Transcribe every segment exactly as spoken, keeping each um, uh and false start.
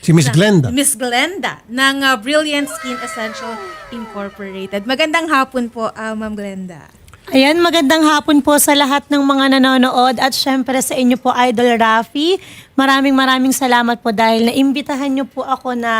Si Miss na- Glenda. Miss Glenda ng uh, Brilliant Skin Essential Incorporated. Magandang hapon po, uh, Ma'am Glenda. Ayan, magandang hapon po sa lahat ng mga nanonood at syempre sa inyo po, Idol Rafi. Maraming maraming salamat po dahil naimbitahan niyo po ako na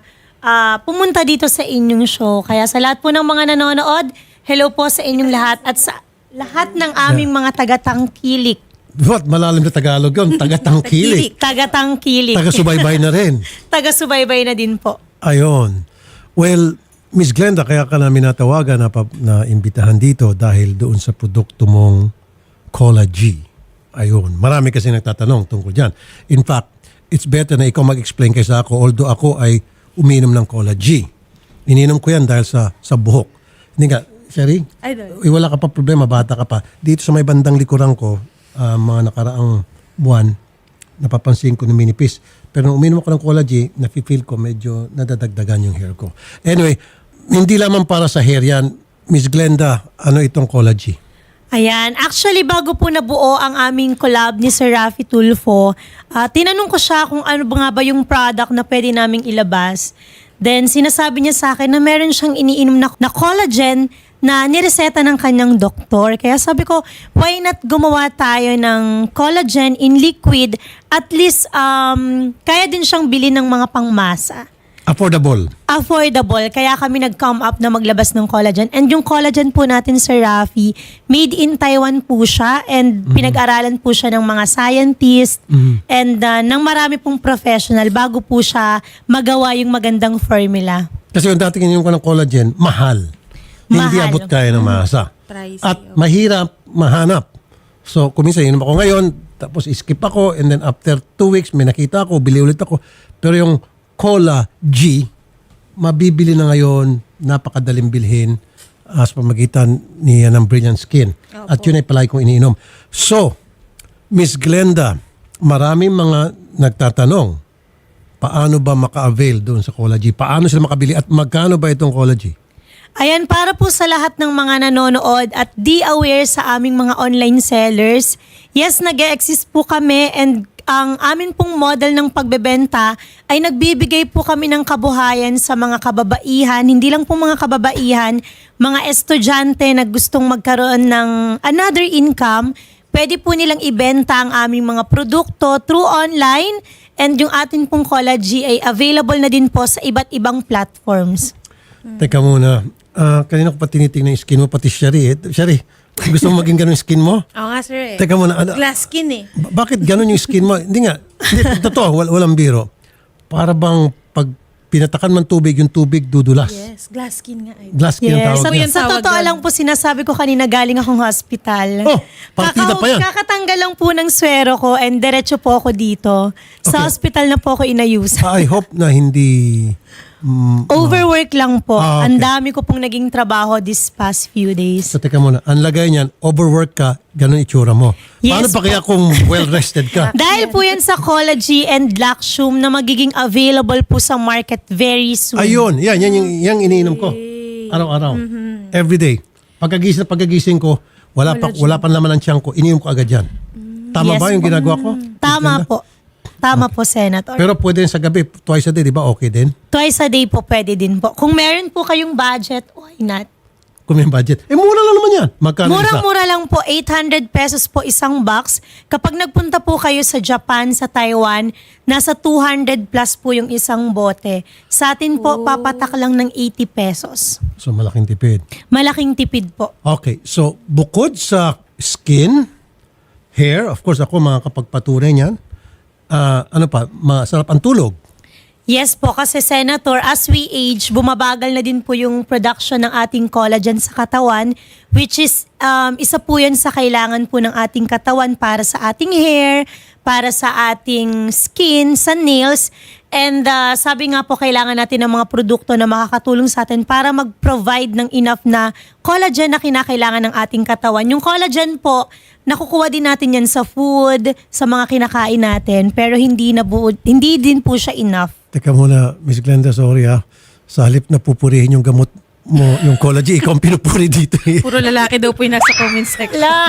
ah, pumunta dito sa inyong show. Kaya sa lahat po ng mga nanonood, hello po sa inyong lahat at sa lahat ng aming mga tagatangkilik. What? Malalim na Tagalog yun. Taga-tangkilik. Tagatangkilik. Taga-subaybay na rin. Taga-subaybay na din po. Ayun. Well, Miss Glenda, kaya ka namin natawagan na, pa- na imbitahan dito dahil doon sa produkto mong Cola G. Ayun. Marami kasi nagtatanong tungkol dyan. In fact, it's better na ikaw mag-explain kaysa ako, although ako ay uminom ng Cola G. Ininom ko yan dahil sa, sa buhok. Hindi nga, Sherry, Idol. eh, wala ka pa problema, bata ka pa. Dito sa may bandang likuran ko, ah, mga nakaraang buwan, napapansin ko na minipis. Pero nung uminom ako ng Cola G, nafe-feel ko medyo nadadagdagan yung hair ko. Anyway, hindi lamang para sa hair yan. Miss Glenda, ano itong Cola G? Ayan. Actually, bago po nabuo ang aming collab ni Sir Rafi Tulfo, ah, tinanong ko siya kung ano ba nga ba yung product na pwede naming ilabas. Then, sinasabi niya sa akin na meron siyang iniinom na, na collagen na nireseta ng kanyang doktor. Kaya sabi ko, why not gumawa tayo ng collagen in liquid? At least, um, kaya din siyang bilhin ng mga pangmasa. Affordable. Affordable. Kaya kami nag-come up na maglabas ng collagen. And yung collagen po natin, Sir Rafi, made in Taiwan po siya and pinag-aralan po siya ng mga scientist and uh, ng marami pong professional bago po siya magawa yung magandang formula. Kasi yung dati kininom ko ng collagen, mahal. Hindi Mahal. abot kaya ng masa. Pricey, At oh. mahirap mahanap. So, kung minsan, inom ako ngayon, tapos skip ako, and then after two weeks, may nakita ako, bili ulit ako. Pero yung Cola G, mabibili na ngayon, napakadaling bilhin as pamagitan niya ng Brilliant Skin. At yun ay palagi kong iniinom. So, Miss Glenda, maraming mga nagtatanong, paano ba maka-avail doon sa Cola G? Paano sila makabili at magkano ba itong Cola G? Ayan, para po sa lahat ng mga nanonood at di aware sa aming mga online sellers, yes, nag-e-exist po kami and ang amin pong model ng pagbebenta ay nagbibigay po kami ng kabuhayan sa mga kababaihan, hindi lang po mga kababaihan, mga estudyante na gustong magkaroon ng another income, pwede po nilang ibenta ang aming mga produkto through online and yung atin pong Cola G ay available na din po sa iba't ibang platforms. Teka muna. Ah, kanina ko pa tinitingnan yung skin mo, pati Shari. Eh. Shari, gusto mo maging ganun yung skin mo? Oo nga, sir eh. Teka muna. Ano, Glass skin eh. ba- bakit ganun yung skin mo? Hindi nga. Hindi, totoo, wal, walang biro. Para bang pag pinatakan man tubig, yung tubig dudulas. Yes, glass skin nga. Idol. Glass skin ang Yes. tawag Sa, niya. yan. sa Tawag totoo yan. lang po, sinasabi ko kanina galing akong hospital. Oh, partida pa yan. Kakatanggal lang po ng swero ko and diretso po ako dito. Sa Okay. hospital na po ako inayusan. I hope na hindi... mm, Overwork lang po. Ah, okay. Ang dami ko pong naging trabaho this past few days. so, teka muna. Ang lagay niyan, overwork ka, ganun itsura mo. Yes, Paano pa kaya kung well-rested ka? Dahil po yan sa Cola G and Laxum na magiging available po sa market very soon. Ayun, yan, yan yung, yung iniinom ko. Araw-araw. Every day. Pagkagising na pagkagising ko, wala pa wala pa naman ang tiyan ko, iniinom ko agad yan. Tama Yes ba yung po. ginagawa ko? Tama Ganda? po. Tama po, Senator. Pero pwede rin sa gabi, twice a day, di ba? Okay din? Twice a day po pwede din po. Kung meron po kayong budget, why not? Kung may budget. Eh, mura lang naman yan. Magkano isa? Murang-mura lang po, eight hundred pesos po isang box. Kapag nagpunta po kayo sa Japan, sa Taiwan, nasa two hundred plus po yung isang bote. Sa atin po, papatak lang ng eighty pesos. So, malaking tipid. Malaking tipid po. Okay. So, bukod sa skin, hair, of course, ako makakapagpatunay niyan. Ah, ano pa, masarap ang tulog. Yes po, kasi Senator, as we age, bumabagal na din po yung production ng ating collagen sa katawan, which is um, isa po yan sa kailangan po ng ating katawan para sa ating hair, para sa ating skin, sa nails. And uh, sabi nga po, kailangan natin ng mga produkto na makakatulong sa atin para mag-provide ng enough na collagen na kinakailangan ng ating katawan. Yung collagen po, nakukuha din natin yan sa food, sa mga kinakain natin, pero hindi, na bu- hindi din po siya enough. Teka muna, Miss Glenda, sorry ha. Sa halip na pupurihin yung gamot mo yung collagen. Ikaw ang pinupuri dito eh. Puro lalaki daw po yung nasa comment section. La.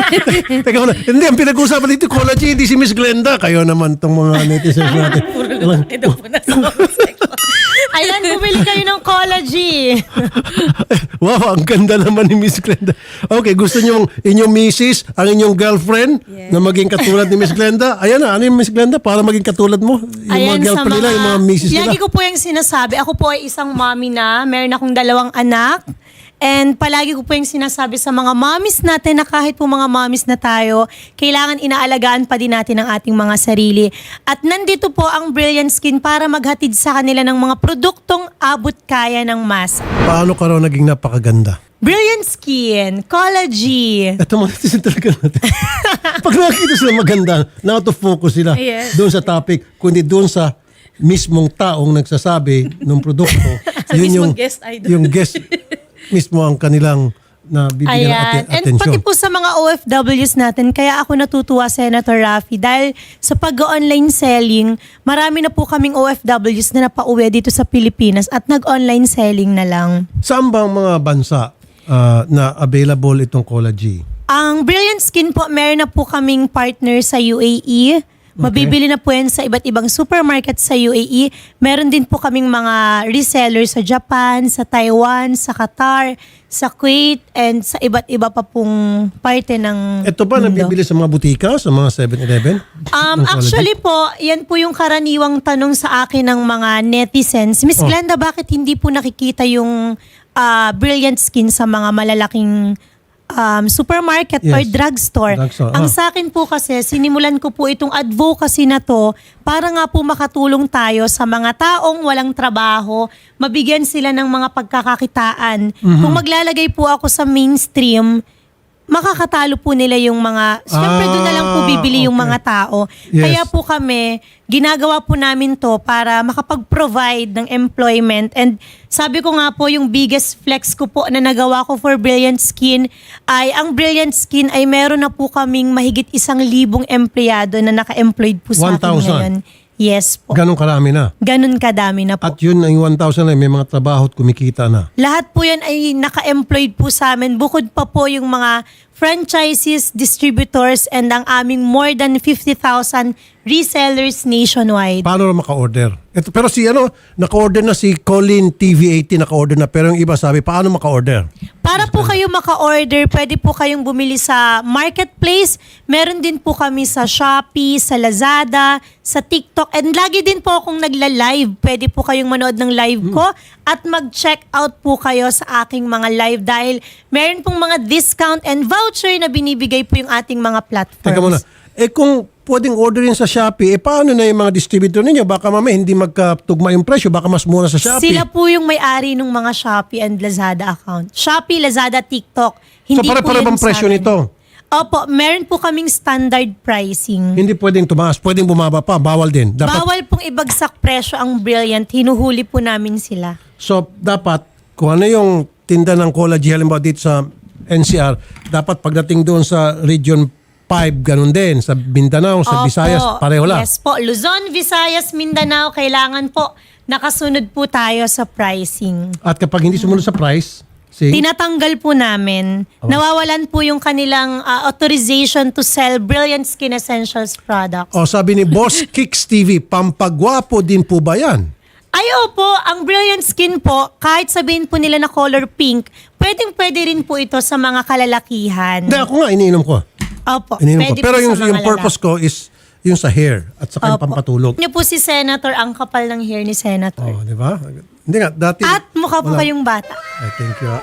Teka muna. Hindi, ang pinag-uusapan dito, collagen, hindi si Miss Glenda. Kayo naman tong mga netizens natin. Puro lalaki daw po nasa comment section. Ayan, bumili kayo ng collagen. Wow, ang ganda naman ni Miss Glenda. Okay, gusto niyo inyong misis, ang inyong girlfriend Yes. na maging katulad ni Miss Glenda? Ayan na, ano yung Miss Glenda para maging katulad mo? Yung mga girlfriend nila, yung mga misis nila. Lagi ko po yung sinasabi. Ako po ay isang mommy na. Meron akong dalawang anak. And palagi ko po yung sinasabi sa mga mommies natin na kahit po mga mommies na tayo, kailangan inaalagaan pa din natin ang ating mga sarili. At nandito po ang Brilliant Skin para maghatid sa kanila ng mga produktong abot kaya ng masa. Paano ka raw naging napakaganda? Brilliant Skin, collagen. Ito mga netizen talaga natin. Pag nakikita sila maganda, na out of focus sila Yes. doon sa topic, kundi doon sa mismong taong nagsasabi ng produkto. Sa mismong guest idol. Yung guest mismo ang kanilang na bibigyan ng Ayan. aten- And atensyon. pati po sa mga O F Ws natin, kaya ako natutuwa, Senator Raffy, dahil sa pag-online selling, marami na po kaming O F Ws na napauwi dito sa Pilipinas at nag-online selling na lang. Saan ba ang mga bansa ah, na available itong collagen? Ang Brilliant Skin po, meron na po kaming partner sa U A E. Mabibili na po yan sa iba't ibang supermarket sa U A E. Meron din po kaming mga resellers sa Japan, sa Taiwan, sa Qatar, sa Kuwait, and sa iba't iba pa pong parte ng Ito ba mundo. nabibili sa mga butika, sa mga seven eleven? Um, actually po, yan po yung karaniwang tanong sa akin ng mga netizens. Miss Oh. Glenda, bakit hindi po nakikita yung ah, Brilliant Skin sa mga malalaking um, supermarket Yes. or drugstore? Drugstore, Ang ah. sa akin po kasi, sinimulan ko po itong advocacy na to para nga po makatulong tayo sa mga taong walang trabaho, mabigyan sila ng mga pagkakakitaan. Mhm. Kung maglalagay po ako sa mainstream, makakatalo po nila yung mga, syempre doon na lang po Ah, bibili yung okay. mga tao. Yes. Kaya po kami, ginagawa po namin to para makapag-provide ng employment. And sabi ko nga po, yung biggest flex ko po na nagawa ko for Brilliant Skin ay ang Brilliant Skin ay meron na po kaming mahigit isang libong empleyado na naka-employed po sa one akin thousand? ngayon. Yes po. Ganong karami na. Ganun kadami na po. At yun, ang one thousand na may mga trabaho at kumikita na. Lahat po yan ay naka-employed po sa amin. Bukod pa po yung mga franchises, distributors, and ang aming more than fifty thousand resellers nationwide. Paano na maka-order? Ito, pero si ano, naka-order na si Colin T V eighty, naka-order na. Pero yung iba sabi, paano maka-order? Para po kayo maka-order, pwede po kayong bumili sa marketplace. Meron din po kami sa Shopee, sa Lazada, sa TikTok. And lagi din po akong nagla-live. Pwede po kayong manood ng live ko at mag-check out po kayo sa aking mga live dahil meron pong mga discount and voucher na binibigay po yung ating mga platforms. Teka muna. Eh kung pwedeng orderin sa Shopee, eh paano na yung mga distributor ninyo? Baka mamaya hindi magkatugma yung presyo, baka mas mura sa Shopee. Sila po yung may-ari ng mga Shopee and Lazada account. Shopee, Lazada, TikTok. So Hindi pare-pare po bang yun sa presyo amin. nito? Opo, meron po kaming standard pricing. Hindi pwedeng tumaas, pwedeng bumaba pa, bawal din. Dapat, Bawal pong ibagsak presyo ang Brilliant. Hinuhuli po namin sila. So dapat, kung ano yung tinda ng collagen, halimbawa dito sa N C R, dapat pagdating doon sa Region five, ganun din. Sa Mindanao, sa Opo. Visayas, pareho lang. Yes po. Luzon, Visayas, Mindanao, kailangan po nakasunod po tayo sa pricing. At kapag hindi sumunod sa price, see, Tinatanggal po namin. Nawawalan po yung kanilang ah, authorization to sell Brilliant Skin Essentials products. o sabi ni Boss Kicks T V, pampagwapo din po ba yan? Ay, opo, ang Brilliant Skin po, kahit sabihin po nila na color pink, pwedeng pwede rin po ito sa mga kalalakihan. Hindi, ako nga, iniinom ko. Opo, Iniinom ko. pwede Pero po yung, sa mga yung purpose ko is yung sa hair at sa kanyang Opo. pampatulog. Niyo po si Senator, ang kapal ng hair ni Senator. Oh, di ba? Hindi nga, dati... At mukha po wala- kayong bata. Ay, thank you.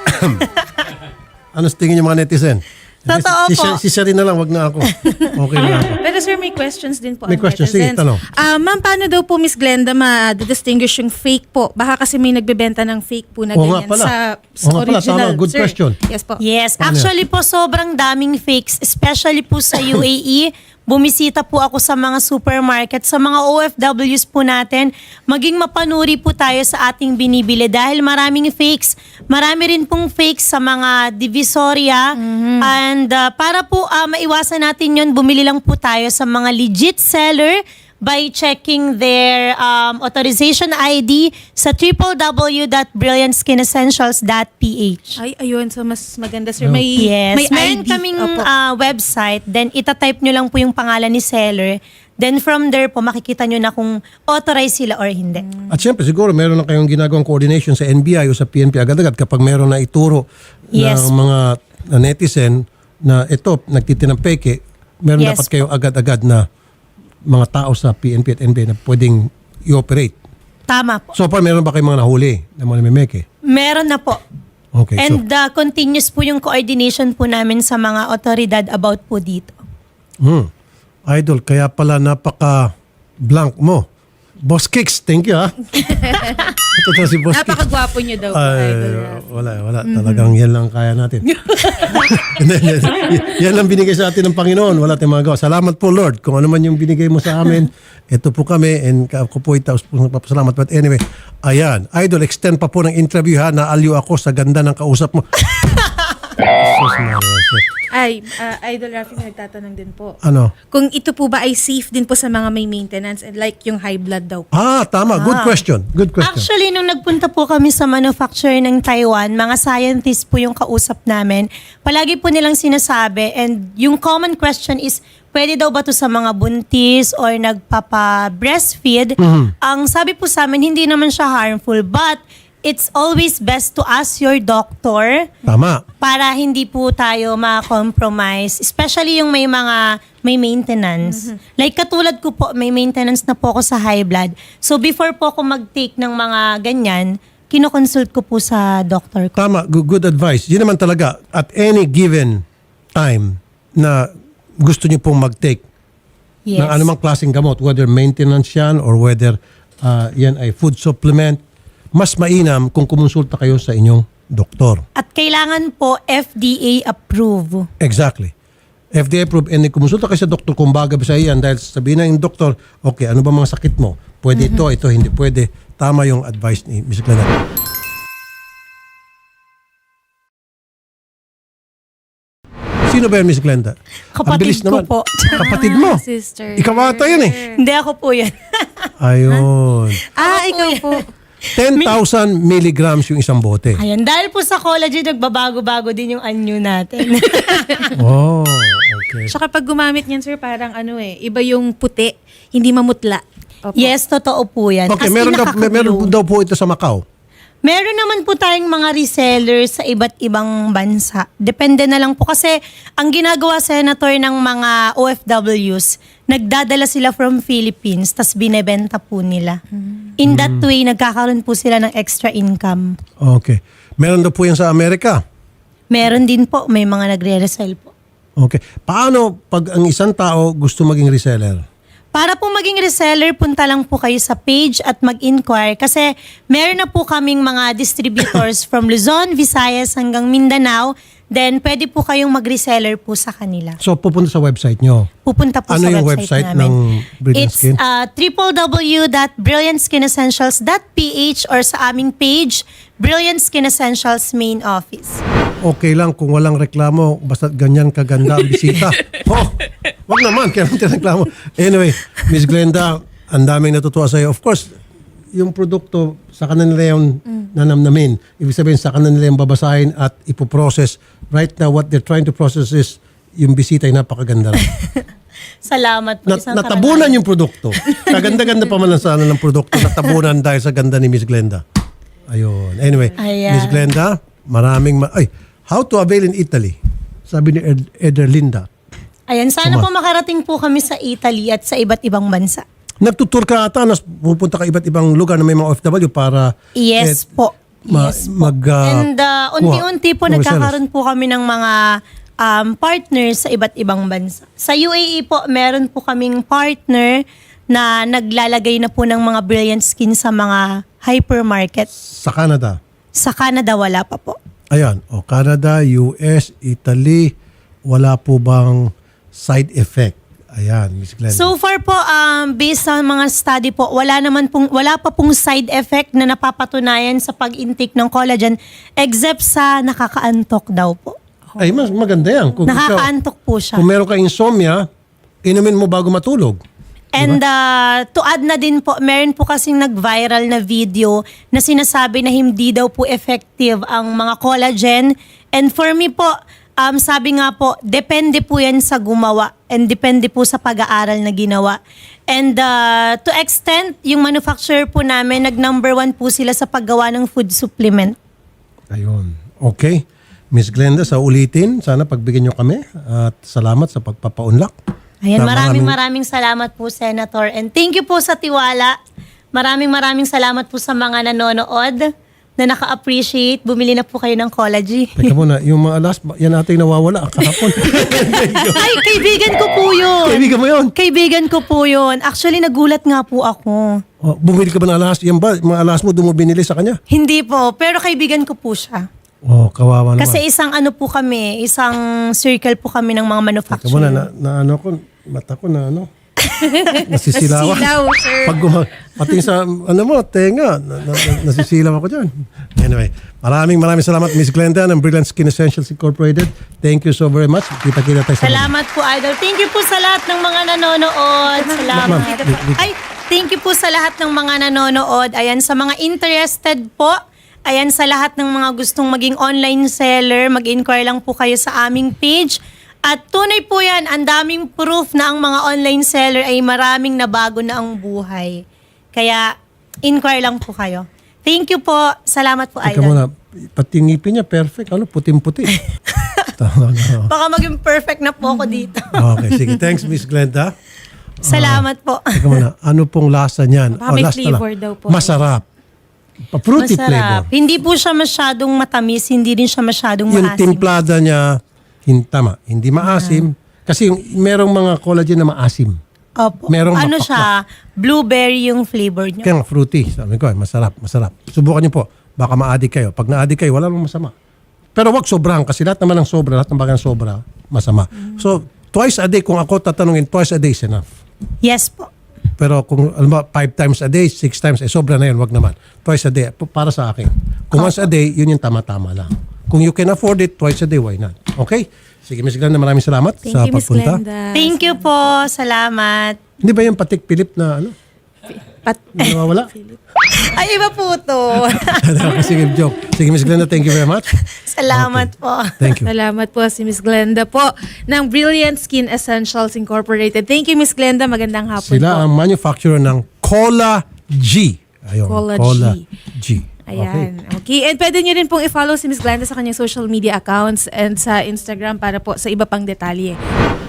Ano sa tingin yung mga netizen? Totoo si, po. Si, si Sherry na lang, wag na ako. Okay na ako. Pero sir, may questions din po. May ang questions. Sige, netizens. tanong. Ah, ma'am, paano daw po Miss Glenda ma-distinguish yung fake po? Baka kasi may nagbebenta ng fake po na Oo nga ganyan pala. sa, sa Oo nga pala, original. tama. Good Sir, question. Yes po. Yes, Paano actually po sobrang daming fakes, especially po sa U A E. Bumisita po ako sa mga supermarket, sa mga O F Ws po natin. Maging mapanuri po tayo sa ating binibili dahil maraming fakes. Marami rin pong fakes sa mga divisoria. And uh, para po uh, maiwasan natin yon, bumili lang po tayo sa mga legit seller, by checking their um, authorization I D sa w w w dot brilliant skin essentials dot p h. Ay, ayun. So, mas maganda, sir. May, Yes, may meron I D. kaming Opo. ah, website, then itatype nyo lang po yung pangalan ni seller. Then from there po, makikita nyo na kung authorized sila or hindi. At syempre, siguro meron na kayong ginagawang coordination sa N B I o sa P N P agad-agad kapag meron na ituro Yes. ng mga netizen na ito, nagtitinang peke, meron Yes dapat kayong agad-agad na mga tao sa P N P at N B I na pwedeng i-operate. Tama po. So far, meron ba kayong mga nahuli na mga namimeke? Meron na po. Okay, And uh, continuous po yung coordination po namin sa mga otoridad about po dito. so, hmm. Idol, kaya pala napaka-blank mo. Boss Kicks, thank you ha. Ito na si Boss Kicks. Napakagwapo niyo daw po, Ay, Idol Raf. wala, wala. Talagang yan lang kaya natin. Hindi, hindi. Yan lang binigay sa atin ng Panginoon. Wala tayong magagawa. Salamat po, Lord. Kung ano man yung binigay mo sa amin, ito po kami. And ako po itaos po nagpapasalamat. But anyway, ayan. Idol, extend pa po ng interview ha. Naaliw ako sa ganda ng kausap mo. Jesus, Maria, Jose. Ay, uh, Idol Rafi, nagtatanong din po. Ano? Kung ito po ba ay safe din po sa mga may maintenance and like yung high blood daw po. Ah, tama. Good question. Good question. Actually, nung nagpunta po kami sa manufacturer ng Taiwan, mga scientists po yung kausap namin. Palagi po nilang sinasabi and yung common question is, pwede daw ba to sa mga buntis or nagpapa-breastfeed? Ang sabi po sa amin, hindi naman siya harmful, but it's always best to ask your doctor Tama. para hindi po tayo ma-compromise. Especially yung may mga may maintenance. Like katulad ko po, may maintenance na po ako sa high blood. So before po ako mag-take ng mga ganyan, kinoconsult ko po sa doctor ko. Tama. Good, good advice. Yun naman talaga. At any given time na gusto niyo pong mag-take Yes. ng anumang klaseng gamot, whether maintenance yan or whether uh, yan ay food supplement, mas mainam kung kumonsulta kayo sa inyong doktor. At kailangan po F D A approve. Exactly. F D A approved and kumonsulta kayo sa doktor kung bagay ba sa iyan dahil sabihin na yung doktor, okay, ano ba mga sakit mo? Pwede ito, ito, hindi pwede. Tama yung advice ni Miz Glenda. Sino ba yan, Miz Glenda? Ang Kapatid bilis ko naman. po. Kapatid mo. Sister. Ikaw ata yan eh. Hindi ako po yan. Ayun. Ah, ikaw po. ten thousand milligrams yung isang bote. Ayan, dahil po sa collagen, nagbabago-bago din yung anyo natin. Oh, okay. Tsaka pag gumamit niyan, sir, parang ano eh, iba yung puti, hindi mamutla. Opo. Yes, totoo po yan. Okay, As in, meron daw, nakaka-glow. meron daw po ito sa Macau. Meron naman po tayong mga resellers sa iba't ibang bansa. Depende na lang po kasi ang ginagawa, Senator, ng mga O F Ws, nagdadala sila from Philippines tas binebenta po nila. In that way, nagkakaroon po sila ng extra income. Okay. Meron daw po yan sa Amerika. Meron din po, may mga nagre-resell po. Okay. Paano pag ang isang tao gusto maging reseller? Para po maging reseller, punta lang po kayo sa page at mag-inquire kasi meron na po kaming mga distributors from Luzon, Visayas hanggang Mindanao. Then, pwede po kayong mag-reseller po sa kanila. So, pupunta sa website nyo. Pupunta po Ano sa yung website, website namin. ng Brilliant It's Skin? uh, w w w dot brilliant skin essentials dot p h or sa aming page, Brilliant Skin Essentials Main Office. Okay lang kung walang reklamo, basta ganyan kaganda ang bisita. Oh, wag naman, kaya naman reklamo. Anyway, Miz Glenda, ang daming natutuwa sa'yo. Of course, yung produkto, sa kanila nila yung nanamnamin. Ibig sabihin, sa kanila nila yung babasahin at ipoprocess. Right now, what they're trying to process is yung bisita ay napakaganda lang. Salamat po. Nat- Isang natabunan karangalan. yung produkto. Kaganda-ganda pa man ang sana ng produkto. Natabunan dahil sa ganda ni Miz Glenda. Ayun. Anyway, Ayan. Miz Glenda, maraming... Ma- ay, how to avail in Italy? Sabi ni Ed- Ederlinda. Ayan, sana Tama. po makarating po kami sa Italy at sa iba't ibang bansa. Nagtutur ka ata, nas pupunta ka iba't ibang lugar na may mga O F W para... Yes eh, po. ma- Yes po. mag, ah, And uh, unti-unti po kuha- nagkakaroon po kami ng mga um, partners sa iba't ibang bansa. Sa U A E po, meron po kaming partner na naglalagay na po ng mga Brilliant Skin sa mga hypermarket. Sa Canada. Sa Canada, wala pa po. Ayan. O, Canada, U S, Italy, wala po bang side effect? Ayan, Miz Glenda. So far po, um, based sa mga study po, wala naman pong, wala pa pong side effect na napapatunayan sa pag-intake ng collagen except sa nakakaantok daw po. ay, mas maganda yan. Kung ikaw- Nakakaantok po siya. Kung meron ka insomnia, inumin mo bago matulog. And uh, to add na din po, meron po kasing nag-viral na video na sinasabi na hindi daw po effective ang mga collagen. And for me po, um, sabi nga po, depende po yan sa gumawa and depende po sa pag-aaral na ginawa. And uh, to extent, yung manufacturer po namin, nag-number one po sila sa paggawa ng food supplement. Ayun. Okay. Miss Glenda, sa ulitin, sana pagbigyan nyo kami at salamat sa pagpapaunlak. Ayan, Sa maraming maraming salamat po, Senator. And thank you po sa tiwala. Maraming maraming salamat po sa mga nanonood na naka-appreciate. Bumili na po kayo ng Collagy. Teka muna, yung mga last, yan ating nawawala kahapon. Ay, kaibigan ko po yun. Kaibigan mo yun? Kaibigan ko po yun. Actually, nagulat nga po ako. Oh, bumili ka ba ng alas? Yan ba, mga alas mo, doon mo binili sa kanya? Hindi po, pero kaibigan ko po siya. Oh, kawawa naman. Kasi isang ano po kami, isang circle po kami ng mga Teka manufacturer. muna, na, na ano ko, mata ko na ano, nasisilawan. Nasilaw, sir. Pag guma- pati sa, ano mo, tenga, na, na, na- nasisilaw ako dyan. Anyway, maraming maraming salamat, Miss Glenda ng Brilliant Skin Essentials Incorporated. Thank you so very much. Kita-kita tayo sa Salamat po, Idol. Thank you po sa lahat ng mga nanonood. Salamat. Ma'am, di- di- Ay, thank you po sa lahat ng mga nanonood. Ayan, sa mga interested po, ayan, sa lahat ng mga gustong maging online seller, mag-inquire lang po kayo sa aming page. At tunay po yan, ang daming proof na ang mga online seller ay maraming nabago na ang buhay. Kaya, inquire lang po kayo. Thank you po. Salamat po, Teka Idol. muna, pati ngipin niya, perfect. Ano, puting-puti. Tama na. Baka maging perfect na po ako dito. Okay, sige. Thanks, Miss Glenda. Salamat po. Teka muna, ano pong lasa niyan? Baka may last na lang. flavor daw po. Masarap. Pa- Fruity flavor. Hindi po siya masyadong matamis, hindi din siya masyadong Yung maasim. timplada niya, hin- tama, hindi maasim. Kasi yung, merong mga collagen na maasim. Opo. merong ano mapakla. siya, blueberry yung flavor niya. Kaya nga, fruity. Sabi ko, eh, masarap, masarap. Subukan niyo po. Baka ma-addict kayo. Pag na-addict kayo, wala namang masama. Pero wag sobrang, kasi lahat naman ng sobra, lahat ng bagay ng sobra, masama. So, twice a day, kung ako tatanungin, twice a day is enough. Yes po. Pero kung alam ba, five times a day, six times, eh sobra na yun, wag naman. Twice a day, p- para sa akin. Kung once a day, yun yung tama-tama lang. Kung you can afford it, twice a day, why not? Okay? Sige, Miss Glenda, maraming salamat Thank sa you, Miss pagpunta. Glenda. Thank you po. Salamat. Hindi ba yung patik Philip na ano? Pat- Hindi nawawala? Ay, iba po to. Sige, joke. Sige, Miss Glenda, thank you very much. Salamat po. Thank you. Salamat po si Miss Glenda po ng Brilliant Skin Essentials Incorporated. Thank you, Miss Glenda. Magandang hapon Sila po. ang manufacturer ng Cola G. Ayun, Cola G. G. Okay. Ayan. Okay. And pwede nyo rin pong i-follow si Miss Glenda sa kanyang social media accounts and sa Instagram para po sa iba pang detalye.